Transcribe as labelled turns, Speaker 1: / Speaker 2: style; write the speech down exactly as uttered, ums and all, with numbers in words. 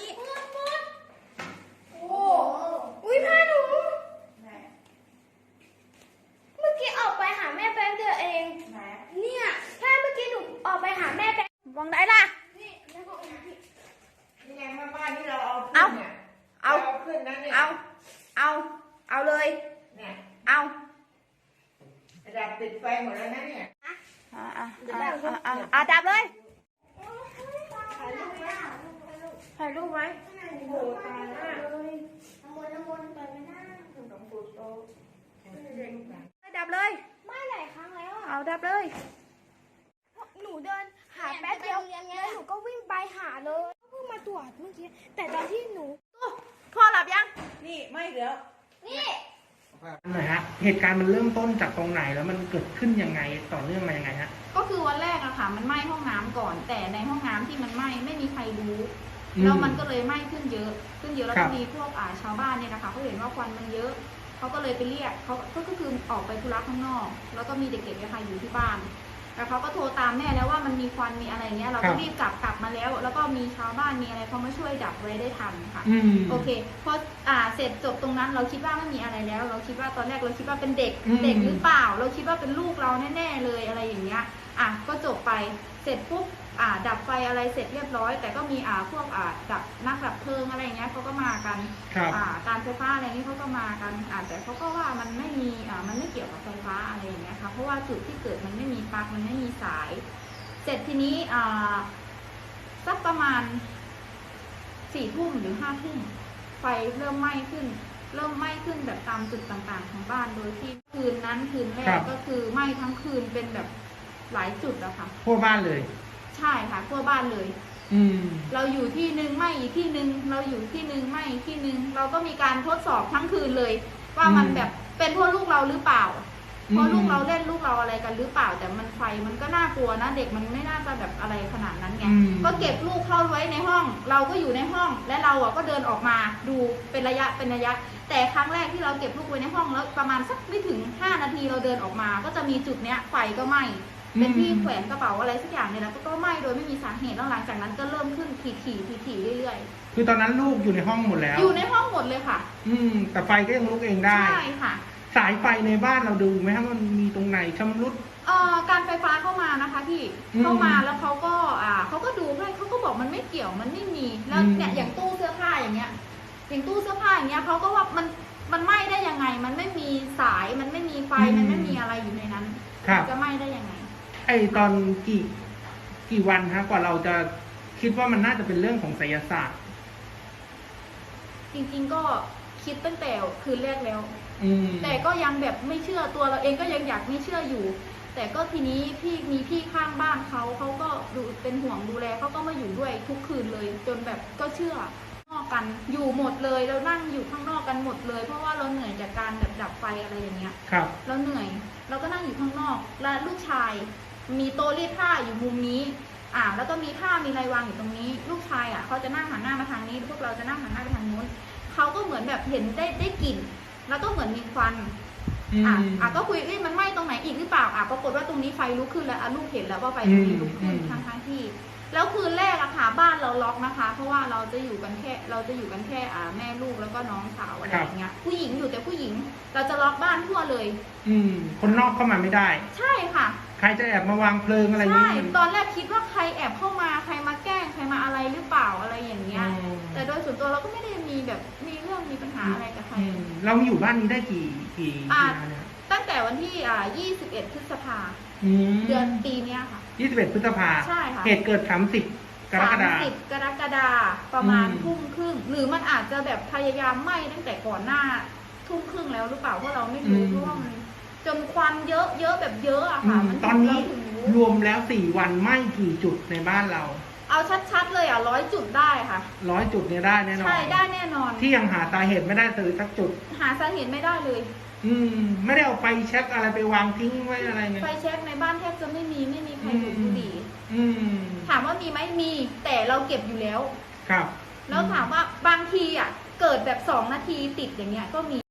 Speaker 1: นี้หมดหมดโอ้อุ้ยผ้าหนูเมื่อกี้ออกไปหาแม่แป๊บเดียวเองเนี่ยถ้าเมื่อกี้หนูออกไปหาแม่แป๊บมองได้ล่ะนี่ในห้องน้ำพี่
Speaker 2: นี่ไงมาบ้านที่เราเอาขึ้นเนี่ยเอาขึ้นนะเนี่ย
Speaker 1: เอาเอาเอาเลย
Speaker 2: เนี่ย
Speaker 1: เอา
Speaker 2: ดับติดไฟหมดแล้วนะเนี่ย
Speaker 1: อ่าอ่าอ่าอ่าอ่าดับเลยถ่ายรูปไว้
Speaker 2: โอ้โหตายแล้ว
Speaker 1: น้ำมนต์น้ำมนต์ไปไม่ได้
Speaker 2: หลวงปู่โต
Speaker 1: ดับเลยไม่หลายครั้งแล้วเอาดับเลยหนูเดินหาแป๊บเดียวแล้วหนูก็วิ่งไปหาเลยเพิ่งมาตรวจเมื่อกี้แต่ตอนที่หนูพ่อหลับยัง
Speaker 2: นี่ไม่เดี๋ยว
Speaker 1: นี่
Speaker 3: หน่อยฮะเหตุการณ์มันเริ่มต้นจากตรงไหนแล้วมันเกิดขึ้นยังไงต่อเนื่องมายังไงฮะ
Speaker 4: ก็คือวันแรกอะค่ะมันไหม้ห้องน้ำก่อนแต่ในห้องน้ำที่มันไหม้ไม่มีใครรู้แล้วมันก็เลยไหม้ขึ้นเยอะขึ้นเยอะแล้วก็มีพวกอ่าชาวบ้านเนี่ยนะคะเขาเห็นว่าควันมันเยอะเขาก็เลยไปเรียกเขาก็คือออกไปธุระข้างนอกแล้วก็มีเด็กๆนะคะอยู่ที่บ้านแล้วเขาก็โทรตามแม่แล้วว่ามันมีควันมีอะไรเงี้ยเราก็รีบกลับกลับมาแล้วแล้วก็มีชาวบ้านมีอะไรเขามาช่วยดับไว้ได้ทันค่ะโอเคพออ่าเสร็จจบตรงนั้นเราคิดว่าไม่มีอะไรแล้วเราคิดว่าตอนแรกเราคิดว่าเป็นเด็กเด็กหรือเปล่าเราคิดว่าเป็นลูกเราแน่ๆเลยอะไรอย่างเงี้ยอ่ะก็จบไปเสร็จปุ๊บอ่าดับไฟอะไรเสร็จเรียบร้อยแต่ก็มีอ่าพวกอ่าดับนักดับเพลิงอะไรเงี้ยเขาก็มากันอ่าการไฟฟ้าอะไรนี้เขาก็มากันอ่าแต่เขาก็ว่ามันไม่มีอ่ามันไม่เกี่ยวกับไฟฟ้าอะไรอย่างเงี้ยค่ะเพราะว่าจุดที่เกิดมันไม่มีปลั๊กมันไม่มีสายเสร็จทีนี้อ่าสักประมาณสี่ทุ่มหรือห้าทุ่มไฟเริ่มไหม้ขึ้นเริ่มไหม้ขึ้นแบบตามจุดต่างๆของบ้านโดยที่คืนนั้นคืนแรกก็คือไหม้ทั้งคืนเป็นแบบหลายจุดอะค่ะ
Speaker 3: ทั่วบ้านเลย
Speaker 4: ใช่ค่ะทั่วบ้านเลย
Speaker 3: อืม
Speaker 4: เราอยู่ที่หนึ่งไหม้อีกที่หนึ่งเราอยู่ที่หนึ่งไหม้อีกที่หนึ่งเราก็มีการทดสอบทั้งคืนเลย ว่ามันแบบเป็นเพราะลูกเราหรือเปล่าเพราะลูกเราเล่นลูกเราอะไรกันหรือเปล่าแต่มันไฟมันก็น่ากลัวนะเด็กมันไม่น่าจะแบบอะไรขนาดนั้นไงก็เก็บลูกเข้าไว้ในห้องเราก็อยู่ในห้องและเราอ่ะก็เดินออกมาดูเป็นระยะเป็นระยะแต่ครั้งแรกที่เราเก็บลูกไว้ในห้องแล้วประมาณสักไม่ถึงห้านาทีเราเดินออกมาก็จะมีจุดเนี้ยไฟก็ไหม้เป็นที่แขวนกระเป๋าอะไรสักอย่างเนี่ยแล้วก็ไหม้โดยไม่มีสาเหตุแล้วหลังจากนั้นก็เริ่มขึ้นถี่ถี่ถี่ถี่เรื่อย
Speaker 3: ๆคือตอนนั้นลูกอยู่ในห้องหมดแล้ว
Speaker 4: อยู่ในห้องหมดเลยค่ะ
Speaker 3: อืมแต่ไฟก็ยังลุกเองได้
Speaker 4: ใช่ค่ะ
Speaker 3: สายไฟในบ้านเราดูไหมครับมันมีตรงไหนชำรุด
Speaker 4: เอ่อการไฟฟ้าเข้ามานะคะพี่เข้ามาแล้วเขาก็อ่าเขาก็ดูให้เขาก็บอกมันไม่เกี่ยวมันไม่มีแล้วเนี่ยอย่างตู้เสื้อผ้าอย่างเงี้ยอย่างตู้เสื้อผ้าอย่างเงี้ยเขาก็ว่ามันมันไหม้ได้ยังไงมันไม่มีสายมันไม่มีไฟมันไม่มีอะไรอยู่ในนั้นจะไหม้ได้ยังไง
Speaker 3: ไอตอนกี่กี่วันฮะกว่าเราจะคิดว่ามันน่าจะเป็นเรื่องของไสยศาสตร์
Speaker 4: จริงๆก็คิดตั้งแต่คืนแรกแล้วแต่ก็ยังแบบไม่เชื่อตัวเราเองก็ยังอยากไม่เชื่ออยู่แต่ก็ทีนี้พี่มีพี่ข้างบ้านเขาเขาก็ดูเป็นห่วงดูแลเขาก็มาอยู่ด้วยทุกคืนเลยจนแบบก็เชื่อนอกกันอยู่หมดเลยเรานั่งอยู่ข้างนอกกันหมดเลยเพราะว่าเราเหนื่อยจากการแบบดับไฟอะไรอย่างเงี้ย
Speaker 3: ครับ
Speaker 4: เราเหนื่อยเราก็นั่งอยู่ข้างนอกและลูกชายมีโต๊ะรีดผ้าอยู่มุมนี้อ่าแล้วก็มีผ้ามีอะไรวางอยู่ตรงนี้ลูกชายอ่ะเขาจะนั่งหันหน้ามาทางนี้พวกเราจะนั่งหันหน้าไปทางนู้นเขาก็เหมือนแบบเห็นได้ได้กลิ่นแล้วก็เหมือนมีควันอ่ะอ่ะก็คุยเอ้ยมันไหม้ตรงไหนอีกหรือเปล่าอ่ะปรากฏว่าตรงนี้ไฟลุกขึ้นแล้วอ่ะลูกเห็นแล้วว่าไฟตรงนี้ลุกขึ้นทั้งทั้งที่แล้วคืนแรกอะค่ะบ้านเราล็อกนะคะเพราะว่าเราจะอยู่กันแค่เราจะอยู่กันแค่อ่าแม่ลูกแล้วก็น้องสาวอะไรอย่างเงี้ยผู้หญิงอยู่แต่ผู้หญิงเราจะล็อกบ้านทั่วเลย
Speaker 3: อืมคนนอกเข้ามาไม่ได้
Speaker 4: ใช่ค่ะ
Speaker 3: ใครจะแอบมาวางเพลิงอะไรอย่าง
Speaker 4: เงี้ยใช่ตอนแรกคิดว่าใครแอบเข้ามาใครมาแกล้งใครมาอะไรหรือเปล่าอะไรอย่างเงี้ยแต่โดยส่วนตัวเราก็ไม่ได้มีแบบมีเรื่องมีปัญหาอะไรกับใคร
Speaker 3: เราอยู่บ้านนี้ได้กี่กี่ปีเนี่ย
Speaker 4: ตั้งแต่วันที่อ่ายี่สิบเอ็ดพฤษภาเดือนปีนี้ค่ะ
Speaker 3: ยี่สิบเอ็ดพฤษภา
Speaker 4: ใช่ค่ะ
Speaker 3: เหตุเกิดสามสิบกรกฎาคมสามสิบ
Speaker 4: กรกฎาคมประมาณทุ่มครึ่งหรือมันอาจจะแบบพยายามไหม้ตั้งแต่ก่อนหน้าทุ่มครึ่งแล้วหรือเปล่าเพราะเราไม่รู้เพราะว่ามันจนควันเยอะเยอะแบบเยอะอะค่ะ
Speaker 3: ตอนนี้รวมแล้วสี่วันไหม้กี่จุดในบ้านเรา
Speaker 4: เอาชัดๆเลยอ่ะร้อยจุดได้ค่ะ
Speaker 3: ร้อยจุดเนี่ยได้แน่นอน
Speaker 4: ใช่ได้แน่นอน
Speaker 3: ที่ยังหาสาเหตุไม่ได้เลยสักจุด
Speaker 4: หาสาเหตุไม่ได้เลย
Speaker 3: อืมไม่ได้เอาไฟแช็กอะไรไปวางทิ้งไว้อะไรเงี้ย
Speaker 4: ไฟแช็กในบ้านแทบจะไม่มีไม่มีใครดูดบุหรี่ถามว่ามีไหมมีแต่เราเก็บอยู่แล้ว
Speaker 3: ครับ
Speaker 4: แล้วถามว่าบางทีอ่ะเกิดแบบสองนาทีติดอย่างเงี้ยก็มี